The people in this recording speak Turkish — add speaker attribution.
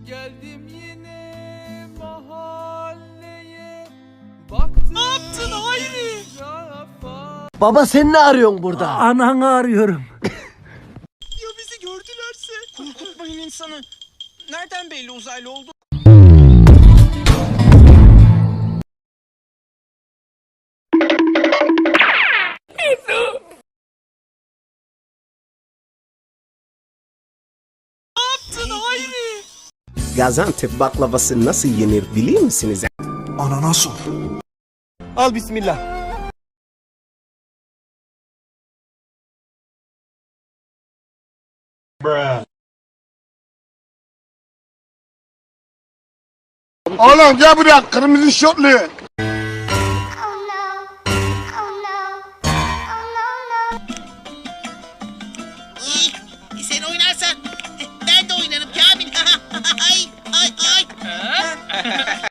Speaker 1: Geldim yine mahalleye. Baktım ne yaptın Hayri?
Speaker 2: Baba sen ne arıyorsun burada?
Speaker 3: Ananı arıyorum.
Speaker 4: Ya bizi gördülerse? Korkutmayın insanı. Nereden belli uzaylı oldu? Ne yaptın Hayri?
Speaker 5: Gaziantep baklavası nasıl yenir biliyor musunuz?
Speaker 6: Ananas ol.
Speaker 5: Al bismillah.
Speaker 6: Oğlum gel buraya kırmızı şortlu.